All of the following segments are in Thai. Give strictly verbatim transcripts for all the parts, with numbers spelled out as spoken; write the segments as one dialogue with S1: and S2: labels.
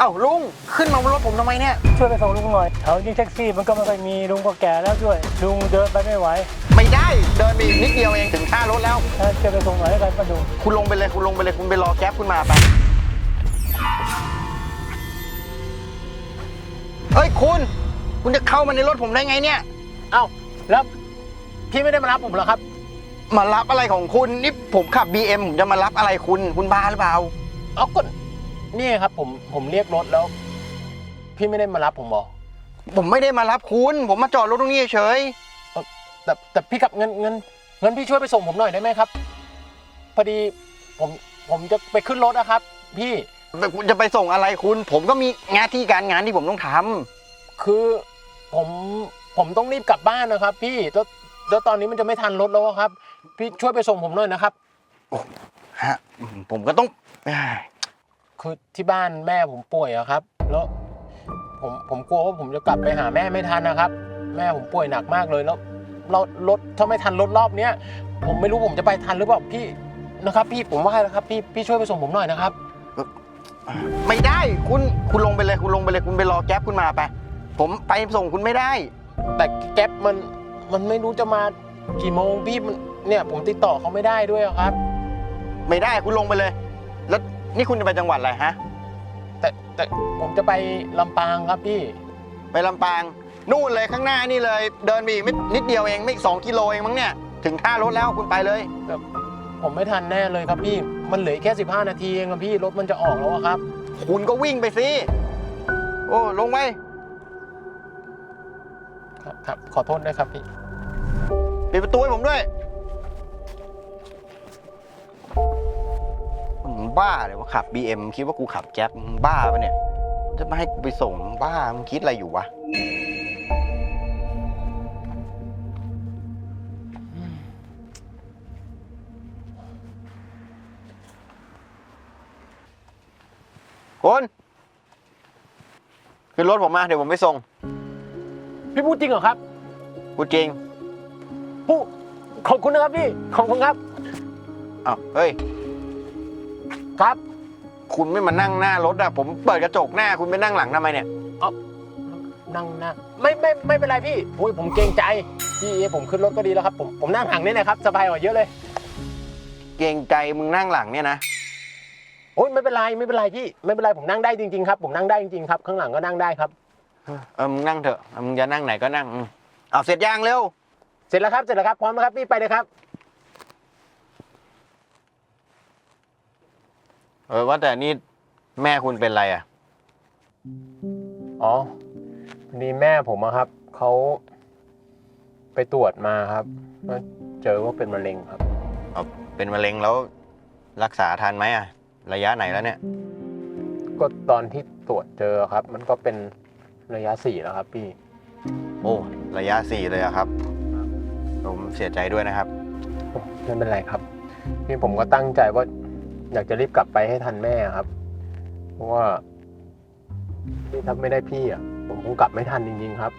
S1: อ้าลุงขึ้นมาบนรถผมทำไมเนี่ย
S2: ช่วยไปส่งลุงหน่อยแถวนี้แท็กซี่มันก็ไม่ค่อยมีลุงก็แก่แล้วด้วยลุงเดินไปไม่ไหว
S1: ไม่ได้เดินไปอีกนิดเดียวเองถึงท่ารถแล้ว
S2: ช่วยไปส่งหน่อยให้กันป้าดุง
S1: คุณลงไปเลยคุณลงไปเลยคุณไปรอแก๊ปคุณมาไปเฮ้ยคุณคุณจะเข้ามาในรถผมได้ไงเนี่ย
S2: เอ้าแล้วพี่ไม่ได้มารับผมเหรอครับ
S1: มารับอะไรของคุณนี่ผมขับ บี เอ็ม ผมจะมารับอะไรคุณคุณบ้าหรือเปล่า
S2: เอาก็นี่ครับผมผมเรียกรถแล้วพี่ไม่ได้มารับผมหรอ
S1: ผมไม่ได้มารับคุณผมมาจอดรถตรงนี้เฉย
S2: แต่แต่พี่ขับเงินเงินเงินพี่ช่วยไปส่งผมหน่อยได้ไหมครับพอดีผมผมจะไปขึ้นรถนะครับพี่
S1: คุณจะไปส่งอะไรคุณผมก็มีงานที่การงานที่ผมต้องท
S2: ำคือผมผมต้องรีบกลับบ้านนะครับพี่แล้วแล้วตอนนี้มันจะไม่ทันรถแล้วครับพี่ช่วยไปส่งผมหน่อยนะครับ
S1: โอ้ฮะผมก็ต้อง
S2: คือที่บ้านแม่ผมป่วยอะครับแล้วผมผมกลัวว่าผมจะกลับไปหาแม่ไม่ทันนะครับแม่ผมป่วยหนักมากเลยแล้วเรารถถ้าไม่ทันรถรอบเนี้ยผมไม่รู้ผมจะไปทันหรือเปล่าพี่นะครับพี่ผมว่านะครับพี่พี่ช่วยไปส่งผมหน่อยนะครับ
S1: ไม่ได้คุณคุณลงไปเลยคุณลงไปเลยคุณไปรอแก๊ปคุณมาไปผมไปส่งคุณไม่ได้
S2: แต่แก๊ปมันมันไม่รู้จะมากี่โมงพี่มันเนี่ยผมติดต่อเขาไม่ได้ด้วยครับ
S1: ไม่ได้คุณลงไปเลยแล้วนี่คุณจะไปจังหวัดอะไรฮะ
S2: แต่แต่ผมจะไปลำปางครับพี่
S1: ไปลำปางนู่นเลยข้างหน้านี่เลยเดินไปอีกนิดเดียวเองไม่สองกิโลเองมั้งเนี่ยถึงท่ารถแล้วคุณไปเลย
S2: แต่ผมไม่ทันแน่เลยครับพี่มันเหลือแค่สิบห้านาทีเองครับพี่รถมันจะออกแล้วครับ
S1: คุณก็วิ่งไปสิโอ้ลงไป
S2: ครับครับขอโทษด้วยครับพี่
S1: ปิดประตูให้ผมด้วยมึงบ้าเลยว่าขับ บี เอ็ม คิดว่ากูขับแก๊ปมึงบ้าปะเนี่ยจะมาให้กูไปส่งบ้ามึงคิดอะไรอยู่วะคุณขึ้นรถผมมาเดี๋ยวผมไปส่ง
S2: พี่พูดจริงเหรอครับ
S1: พูดจริง
S2: พูดขอบคุณนะครับพี่ขอบคุณครับ
S1: อ้าวเฮ้ย
S2: ครับ
S1: คุณไม่มานั่งหน้ารถอะผมเปิดกระจกหน้าคุณไปนั่งหลังทำไมเนี่ย
S2: อ๋อนั่งหน้าไม่ไม่ไม่เป็นไรพี่โอ้ยผมเกรงใจพี่ผมขึ้นรถก็ดีแล้วครับผมผมนั่งหลังนี่นะครับสบายกว่าเยอะเลย
S1: เกรงใจมึงนั่งหลังเนี่ยนะ
S2: โอ้ยไม่เป็นไรไม่เป็นไรพี่ไม่เป็นไรผมนั่งได้จริงๆครับผมนั่งได้จริงๆครับข้างหลังก็นั่งได้ครับ
S1: เออมึงนั่งเถอะมึงจะนั่งไหนก็นั่งเอาเสร็จยังเร็ว
S2: เสร็จแล้วครับเสร็จแล้วครับพร้อมแล้วครับพี่ไปเลยครับ
S1: เออว่าแต่นี่แม่คุณเป็นไรอ่ะ
S2: อ๋อนี่แม่ผมอะครับเขาไปตรวจมาครับเจอว่าเป็นมะเร็งครับ
S1: อ๋อเป็นมะเร็งแล้วรักษาทันไหมอ่ะระยะไหนแล้วเนี่ย
S2: ก็ตอนที่ตรวจเจอครับมันก็เป็นระยะสี่แล้วครับพี่
S1: โอ้ระยะสี่เลยอะครับผมเสียใจด้วยนะครับ
S2: ไม่เป็นไรครับพี่ผมก็ตั้งใจว่าอยากจะรีบกลับไปให้ทันแม่ครับเพราะว่าที่ถ้าไม่ได้พี่อ่ะผมคงกลับไม่ทันจริงๆครับ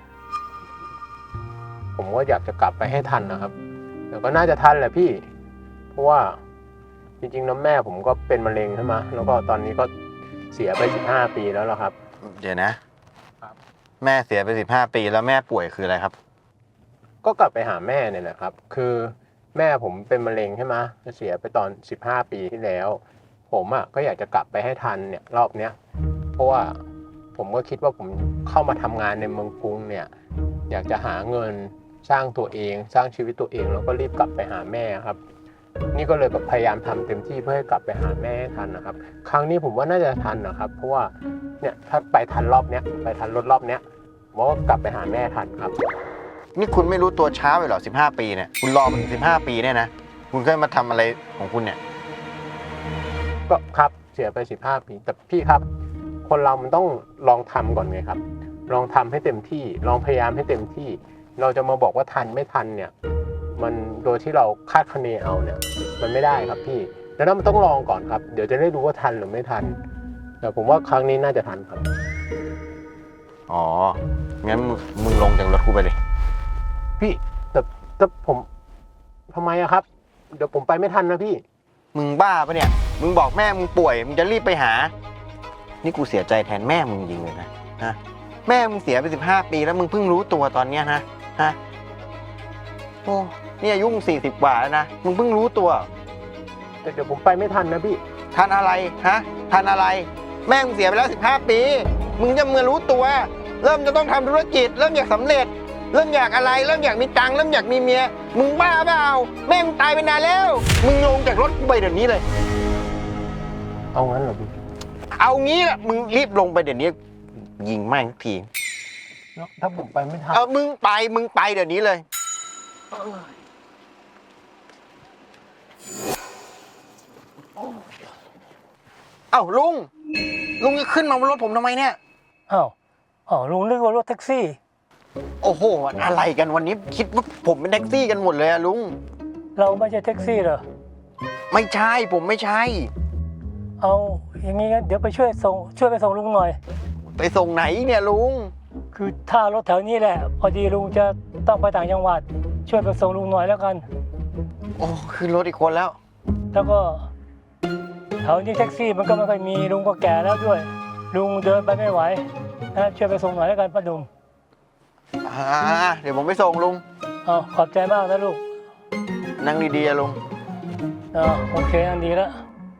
S2: ผมก็อยากจะกลับไปให้ทันนะครับแต่ก็น่าจะทันแหละพี่เพราะว่าจริงๆน้ำแม่ผมก็เป็นมะเร็งใช่ไหมแล้วก็ตอนนี้ก็เสียไปสิบห้าปีแล้วล่ะครับ
S1: เดี๋ยวนะครับแม่เสียไปสิบห้าปีแล้วแม่ป่วยคืออะไรครับ
S2: ก็กลับไปหาแม่เนี่ยแหละครับคือแม่ผมเป็นมะเร็งใช่ไหมเสียไปตอนสิบห้าปีที่แล้วผมอ่ะก็อยากจะกลับไปให้ทันเนี่ยรอบเนี้ยเพราะว่าผมก็คิดว่าผมเข้ามาทำงานในเมืองกรุงเนี่ยอยากจะหาเงินสร้างตัวเองสร้างชีวิตตัวเองแล้วก็รีบกลับไปหาแม่ครับนี่ก็เลยแบบพยายามทำเต็มที่เพื่อให้กลับไปหาแม่ทันนะครับครั้งนี้ผมว่าน่าจะทันนะครับเพราะว่าเนี่ยถ้าไปทันรอบเนี้ยไปทันรถรอบเนี้ยผมว่ากลับไปหาแม่ทันครับ
S1: นี่คุณไม่รู้ตัวช้าไปหรอสิบห้าปีเนี่ยคุณรอมาถึงสิบห้าปีเนี่ยนะคุณเคยมาทำอะไรของคุณเนี่ย
S2: ก็ครับเสียไปสิบห้าปีแต่พี่ครับคนเรามันต้องลองทำก่อนไงครับลองทำให้เต็มที่ลองพยายามให้เต็มที่เราจะมาบอกว่าทันไม่ทันเนี่ยมันโดยที่เราคาดคะเนเอาเนี่ยมันไม่ได้ครับพี่แล้วมันต้องลองก่อนครับเดี๋ยวจะได้รู้ว่าทันหรือไม่ทันแต่ผมว่าครั้งนี้น่าจะทันครับ
S1: อ๋องั้นมึงลงจากรถกูไปเลย
S2: พี่แต่แต่ผมทำไมอะครับเดี๋ยวผมไปไม่ทันนะพี่
S1: มึงบ้าปะเนี่ยมึงบอกแม่มึงป่วยมึงจะรีบไปหานี่กูเสียใจแทนแม่มึงจริงเลยนะฮะแม่มึงเสียไปสิบห้าปีแล้วมึงเพิ่งรู้ตัวตอนเนี้ยนะฮะโอ้นี่อายุมึงสี่สิบกว่าแล้วนะมึงเพิ่งรู้ตัว
S2: แต่เดี๋ยวผมไปไม่ทันนะพี่
S1: ทันอะไรฮะทันอะไร แม่มึงเสียไปแล้วสิบห้าปีมึงจะเมื่อรู้ตัว เริ่มจะต้องทำธุรกิจ เริ่มอยากสำเร็จ เริ่มอยากอะไร เริ่มอยากมีตังค์เริ่มอยากมีเมียมึงบ้าเปล่าแม่มึงตายไปนานแล้ว มึงลงจากรถกูไปเดี๋ยวนี้เลย
S2: เอางั้นเหรอพี่
S1: เอางี้แหละมึงรีบลงไปเดี๋ยวนี้ ยิงแม่งที
S2: แล้วถ้าผมไปไม่ทัน
S1: เออมึงไปมึงไปเดี๋ยวนี้เลยเอ้าลุงลุงจะขึ้นมาบนรถผมทำไมเนี่ย
S3: อ้าวอ๋อลุงนึกว่ารถแท็กซี่
S1: โอ้โหอะไรกันวันนี้คิดว่าผมเป็นแท็กซี่กันหมดเลยอะลุง
S3: เราไม่ใช่แท็กซี่เหรอ
S1: ไม่ใช่ผมไม่ใช่
S3: เอาอย่างงี้งั้นเดี๋ยวไปช่วยส่งช่วยไปส่งลุงหน่อย
S1: ไปส่งไหนเนี่ยลุง
S3: คือท่ารถแถวนี้แหละ พอดีลุงจะต้องไปต่างจังหวัด ช่วยไปส่งลุงหน่อยแล้วกัน
S1: โอ้ขึ้นรถอีกคนแล้ว
S3: แล้วก็แถวนี้แท็กซี่มันก็ไม่ค่อยมีลุงก็แก่แล้วด้วย ลุงเดินไปไม่ไหวนะช่วยไปส่งหน่อยแล้วกันป้าดุม
S1: อ่าเดี๋ยวผมไปส่งลุง
S3: เอาขอบใจมากนะลูก
S1: นั่งดีๆอะลุง
S3: เอาโอเคอันดีแล้ว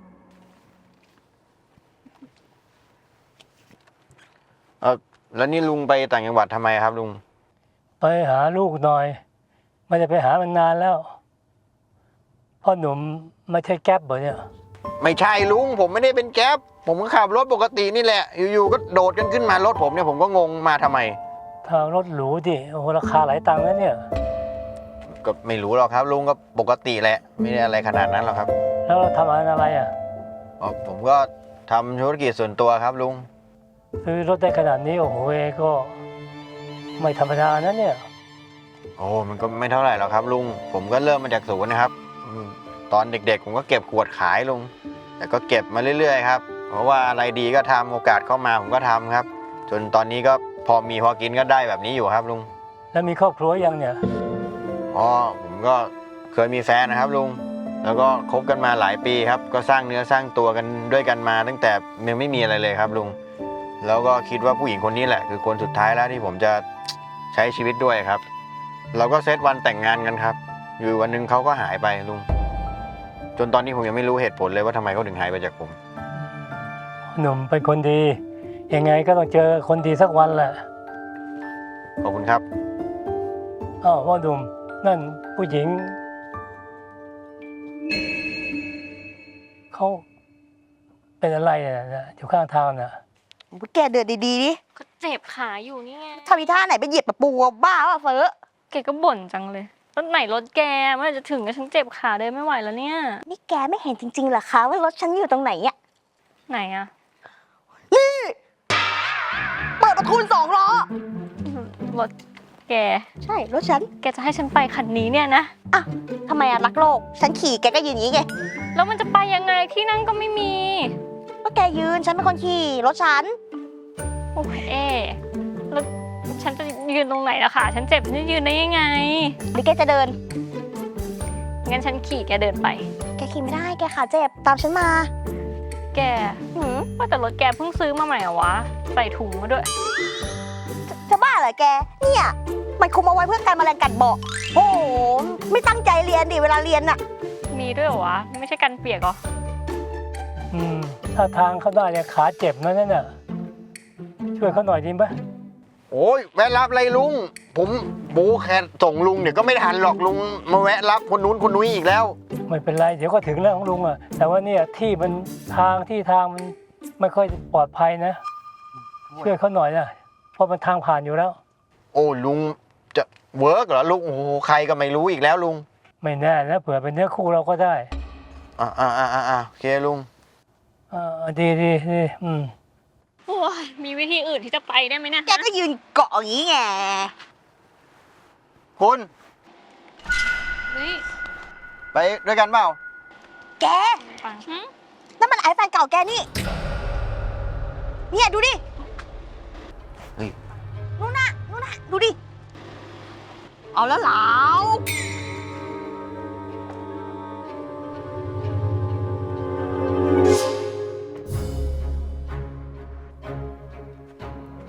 S1: เออแล้วนี่ลุงไปต่างจังหวัดทำไมครับลุง
S3: ไปหาลูกหน่อยไม่ได้ไปหามันนานแล้วพ่อหนุ่มไม่ใช่แก๊ปเหรอเนี่ย
S1: ไม่ใช่ลุงผมไม่ได้เป็นแก๊ปผมก็ขับรถปกตินี่แหละ อยู่ๆก็โดดกันขึ้นมารถผมเนี่ยผมก็งงมาทำไม
S3: ทางรถหรูดิโอ้โหราคาหลายตังค์นะเนี่ย
S1: ก็ไม่รู้หรอกครับลุงก็ปกติแหละไม่ได้อะไรขนาดนั้นหรอกครับ
S3: แล้วเราทำอะไรอ่ะ
S1: อ๋อผมก็ทำธุรกิจส่วนตัวครับลุง
S3: ซื้อรถได้ขนาดนี้โอ้โหเอก็ไม่ธรรมดานะเนี่ย
S1: โอ้มันก็ไม่เท่าไหร่หรอกครับลุงผมก็เริ่มมาจากศูนย์นะครับอืมตอนเด็กๆผมก็เก็บขวดขายลุงแต่ก็เก็บมาเรื่อยๆครับเพราะว่าอะไรดีก็ทำโอกาสเข้ามาผมก็ทำครับ จนตอนนี้ก็พอมีพอกินก็ได้แบบนี้อยู่ครับลุง
S3: แล้วมีครอบครัวยังเนี่ย
S1: อ๋อผมก็เคยมีแฟนนะครับลุงแล้วก็คบกันมาหลายปีครับก็สร้างเนื้อสร้างตัวกันด้วยกันมาตั้งแต่ยังไม่มีอะไรเลยครับลุงแล้วก็คิดว่าผู้หญิงคนนี้แหละคือคนสุดท้ายแล้วที่ผมจะใช้ชีวิตด้วยครับเราก็เซตวันแต่งงานกันครับอยู่วันหนึ่งเขาก็หายไปลุงจนตอนนี้ผมยังไม่รู้เหตุผลเลยว่าทำไมเขาถึงหายไปจากผม
S3: หนุ่มเป็นคนดียังไงก็ต้องเจอคนดีสักวันแหละ
S1: ขอบคุณครับ
S3: อ้าวพ่อหนุ่มนั่นผู้หญิงเขาเป็นอะไรอ่ะนะอยู่ข้างทางน่ะ
S4: แกเดินดีๆดิ
S5: ก็เจ็บขาอยู่นี่ไง
S4: ทำอีท่าไหนไปเหยียบตะปูอะบ้าป่ะเฟ้อ
S5: แกก็บ่นจังเลยรถไหนรถแกเมื่อไหร่จะถึงก็ฉันเจ็บขาเดินไม่ไหวแล้วเนี่ย
S4: นี่แกไม่เห็นจริงๆเหรอคะว่ารถฉันอยู่ตรงไหนอะ
S5: ไหนอะ
S4: นี่เปิดประทุนสองล้อ
S5: รถแก
S4: ใช่รถฉัน
S5: แกจะให้ฉันไปคันนี้เนี่ยนะ
S4: อ่ะทำไมอะรักโลก ฉันขี่แกก็ยืนอย่างนี้ไง
S5: แล้วมันจะไปยังไงที่นั่งก็ไม่มี
S4: ก็แกยืนฉันเป็นคนขี่รถฉัน
S5: โอ้ยเอ๊ะแล้วฉันจะยืนตรงไหนล่ะคะฉันเจ็บฉันจะยืนได้ยังไง
S4: หรือแกจะเดิน
S5: งั้นฉันขี่แกเดินไป
S4: แกขี่ไม่ได้แกขาเจ็บตามฉันมา
S5: แก
S4: หืม
S5: ว่าแต่รถแกเพิ่งซื้อมาใหม่เหรอวะใส่ถุงมาด้วย
S4: จะจะบ้าเหรอแก เนี่ยมันคุมเอาไว้เพื่อการแมลงกัดเบาะโอ้โหไม่ตั้งใจเรียนดิเวลาเรียนน่ะ
S5: มีด้วยเหรอวะไม่ใช่กันเปียกเหรอ
S3: อืมถ้าทางเขาได้เนี่ยขาเจ็บนะนั่นน่ะช่วยเขาหน่อยดีไหม
S1: โอ้ยแวะรับอะไรลุงผมโบแค่ส่งลุงเดี๋ยวก็ไม่ทันหรอกลุงมาแวะรับคนนู้นคนนู้นอีกแล้ว
S3: ไม่เป็นไรเดี๋ยวก็ถึงแล้วของลุงอ่ะแต่ว่าเนี่ยที่มันทางที่ทางมันไม่ค่อยปลอดภัยนะ ช่วยเขาหน่อยนะเพราะมันทางผ่านอยู่แล้ว
S1: โอ้ลุงจะเวิร์กเหรอลุงโอ้โหใครก็ไม่รู้อีกแล้วลุง
S3: ไม่แน่นะเผื่อเป็นเนื้อคู่เราก็ได้
S1: อ่าอ่าอ่าอ่าโอเคลุง
S3: อ่าดีดีดีอืม
S5: โอ้ยมีวิธีอื่นที่จะไปได้ไหมเนะ
S4: แกก็ยืนเกาะอย่างนี้ไง
S1: คุณ
S5: เฮ้ย
S1: ไปด้วยกันเปล่า
S4: แก
S5: ปังหึ
S4: นั่นมันไอแฟนเก่าแกนี่ เนี่ยดูดิ
S1: เฮ้ย
S4: นู่นน่ะนู่นน่ะดูดิ เอาแล้วเหลา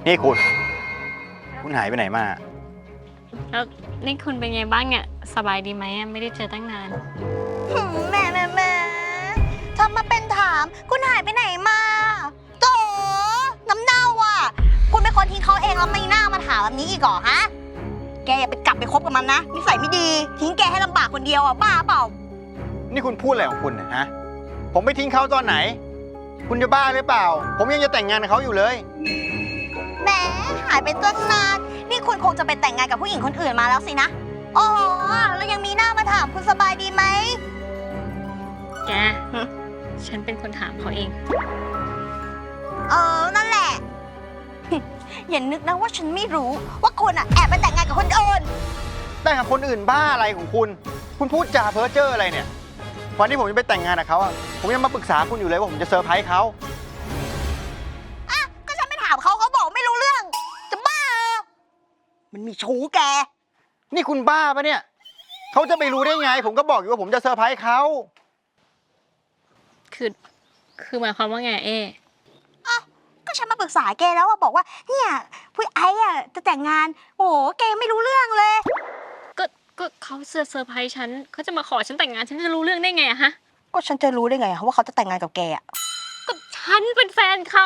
S1: นี่คุณ คุณหายไปไหนมา
S5: แล้วนี่คุณเป็นไงบ้างเนี่ยสบายดีไหมอะไม่ได้เจอตั้งนาน
S4: หืมแหม่แหม่แหม่ทำมาเป็นถามคุณหายไปไหนมาโตน้ำเน่าอ่ะ คุณเป็นคนทิ้งเขาเองแล้วไม่น่ามาถามแบบนี้อีกเหรอฮะ แกอย่าไปกลับไปคบกับมันนะนิสัยไม่ดี ทิ้งแกให้ลำบากคนเดียวอ่ะบ้าเปล่า
S1: นี่คุณพูดอะไรของคุณเนี่ยฮะ ผมไปทิ้งเขาตอนไหน คุณจะบ้าหรือเปล่า ผมยังจะแต่งงานกับเขาอยู่เลย
S4: แหมหายไปตั้งนาน นี่คุณคงจะไปแต่งงานกับผู้หญิงคนอื่นมาแล้วสินะอ๋อแล้วยังมีหน้ามาถามคุณสบายดีไหม
S5: แก ฉันเป็นคนถามเขาเอง
S4: เออ นั่นแหละ อย่านึกนะว่าฉันไม่รู้ว่าคุณอ่ะแอบไปแต่งงานกับคนอื่น
S1: แต่งกับคนอื่นบ้าอะไรของคุณ คุณพูดจาเพ้อเจ้ออะไรเนี่ย วันที่ผมจะไปแต่งงานกับเขาอะผมยังมาปรึกษาคุณอยู่เลยว่าผมจะเซอร์ไพรส์เขา
S4: อ่ะ ก็ฉันไปถามเขาเขาบอกไม่รู้เรื่อง จะบ้าเหรอมันมีชู้แก
S1: นี่คุณบ้าปะเนี่ย เขาจะไปรู้ได้ไง ผมก็บอกอยู่ว่าผมจะเซอร์ไพรส์เขา
S5: คือ คือหมายความว่าไงเอ๊
S4: ก็ฉันมาปรึกษาแกแล้วอะบอกว่าเนี่ยผู้ไอ้อะจะแต่งงาน โอ้โหแกยังไม่รู้เรื่องเลย
S5: ก็ก็เขาเซอร์ไพรส์ฉันเขาจะมาขอฉันแต่งงานฉันจะรู้เรื่องได้ไงอะฮะ
S4: ก็ฉันจะรู้ได้ไงอะว่าเขาจะแต่งงานกับแกอะ
S5: ก็ฉันเป็นแฟนเขา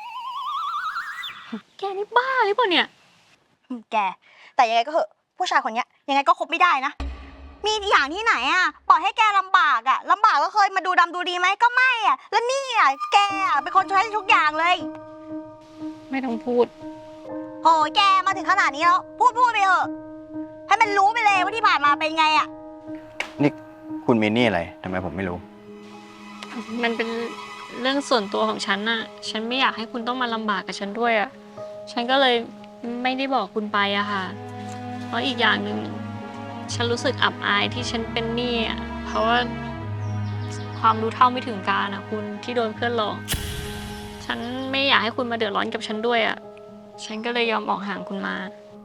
S5: แกนี่บ้าหรือเปล่าเนี่ย
S4: อืมแก แต่ยังไงก็เหอะผู้ชายคนเนี้ยยังไงก็คบไม่ได้นะ มีอย่างที่ไหนอะปล่อยให้แกลำบากอะลำบากก็เคยมาดูดำดูดีไหมก็ไม่อะแล้วนี่อะแกอะเป็นคนใช้ทุกอย่างเลย
S5: ไม่ต้องพูด
S4: โอ้ยแกมาถึงขนาดนี้แล้วพูดพูดไปเถอะ ให้มันรู้ไปเลยว่าที่ผ่านมาเป็นไงอะ
S1: นี่คุณมีหนี่อะไรทำไมผมไม่รู้
S5: มันเป็นเรื่องส่วนตัวของฉันน่ะ ฉันไม่อยากให้คุณต้องมาลำบากกับฉันด้วยอะฉันก็เลยไม่ได้บอกคุณไปอะค่ะ เพราะอีกอย่างหนึ่งฉันรู้สึกอับอายที่ฉันเป็นหนี้อะเพราะว่าความรู้เท่าไม่ถึงการอะคุณที่โดนเพื่อนหลอก ฉันไม่อยากให้คุณมาเดือดร้อนกับฉันด้วยอะฉันก็เลยยอมออกห่างคุณมา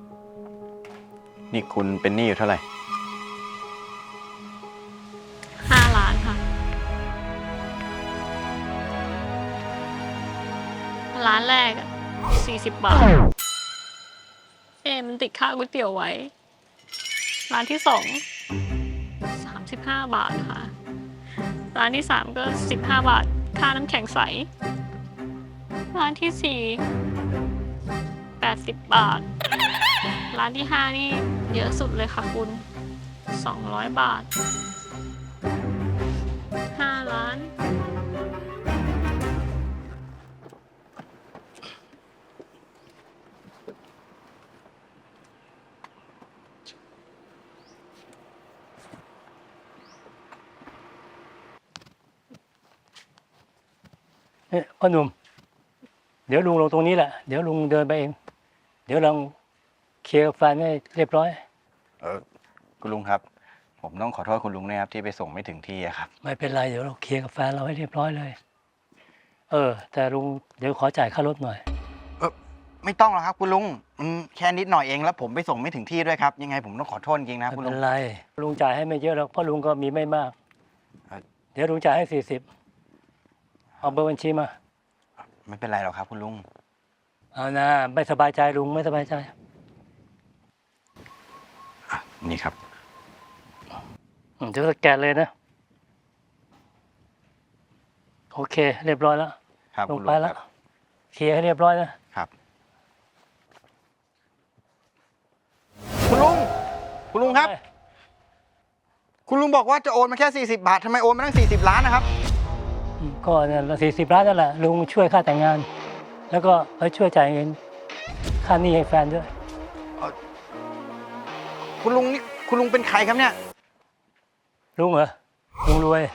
S1: นี่คุณเป็นหนี้อยู่เท่าไหร่
S5: ห้าล้านค่ะ ร้านแรกอะสี่สิบบาท เอ๊ะมันติดค่าก๋วยเตี๋ยวไว้ ร้านที่สองสามสิบห้าบาทค่ะ ร้านที่สามก็สิบห้าบาท ค่าน้ำแข็งใส ร้านที่สี่แปดสิบบาท ร้านที่ห้านี่เยอะสุดเลยค่ะคุณสองร้อยบาท ห้าล้าน
S3: เนี่ยพ่อหนุ่ม เดี๋ยวลุงลงตรงนี้แหละ เดี๋ยวลุงเดินไปเอง เดี๋ยวลองเคลียร์กับแฟนให้เรียบร้อย
S1: เออคุณลุงครับ ผมต้องขอโทษคุณลุงนะครับที่ไปส่งไม่ถึงที่อะครับ
S3: ไม่เป็นไร เดี๋ยวเราเคลียร์กับแฟนเราให้เรียบร้อยเลย เออ แต่ลุงเดี๋ยวขอจ่ายค่ารถหน่อย
S1: ไม่ต้องหรอกครับคุณลุงมันแค่นิดหน่อยเองแล้วผมไปส่งไม่ถึงที่ด้วยครับ ยังไงผมต้องขอโทษจริงๆนะ
S3: ไม่
S1: คุณ
S3: เป็
S1: ลุง
S3: นไร ลุงจ่ายให้ไม่เยอะหรอกเพราะลุงก็มีไม่มาก
S1: เอ่อ
S3: เดี๋ยวลุงจ่ายให้สี่สิบเอาเบอร์บัญชีมา
S1: ไม่เป็นไรหรอกครับคุณลุง
S3: เอานะไม่สบายใจลุงไม่สบายใจ
S1: นี่ครับ
S3: อืมเดี๋ยวสแกนเลยนะ โอเค เรียบร้อยแล้ว
S1: ครับ
S3: ล
S1: คุ
S3: ง
S1: ณ
S3: ไป
S1: ลุง
S3: แล้ว
S1: ครับ
S3: เคลียร์ให้เรียบร้อยนะครับ
S1: คุณลุง คุณลุงครับ คุณลุงบอกว่าจะโอนมาแค่สี่สิบบาททำไมโอนมาตั้งสี่สิบล้านนะครับ
S3: อืมก็เนี่ยสี่สิบล้านนั่นแหละลุงช่วยค่าแต่งงาน แล้วก็ไปช่วยจ่ายเงินค่าหนี้ให้แฟนด้วย
S1: คุณลุงนี่คุณลุงเป็นใครครับเนี่ย
S3: ลุงเหรอลุงรวย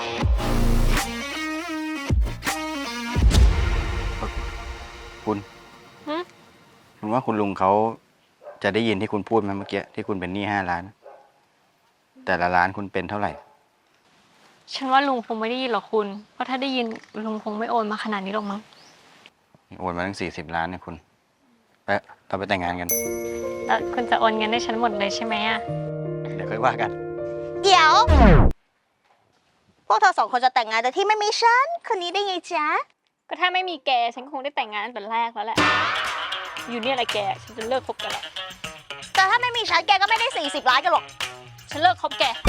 S1: คุณ
S5: หึ
S1: คุณว่าคุณลุงเขาจะได้ยินที่คุณพูดไหมเมื่อกี้ที่คุณเป็นหนี้ห้าล้าน แต่ละล้านคุณเป็นเท่าไหร่
S5: ฉันว่าลุงคงไม่ได้ยินหรอกคุณ เพราะถ้าได้ยินลุงคงไม่โอนมาขนาดนี้หรอกมั้ง
S1: โอนมาตั้งสี่สิบล้านเนี่ยคุณไปเราไปแต่งงานกัน
S5: แล้วคุณจะโอนเงินให้ฉันหมดเลยใช่ไหมอะ
S1: เดี๋ยวค่อยว่ากัน
S4: เดี๋ยว พวกเธอสองคนจะแต่งงานแต่ที่ไม่มีฉันคนนี้ได้ไงจ๊ะ
S5: ก็ถ้าไม่มีแกฉันคงได้แต่งงานตั้งแต่แรกแล้วแหละอยู่เนี่ยแหละแก ฉันจะเลิกคบแกันแล้ว
S4: แต่ถ้าไม่มีฉันแกก็ไม่ได้สี่สิบล้านกันหรอก
S5: ฉันเลิกคบแก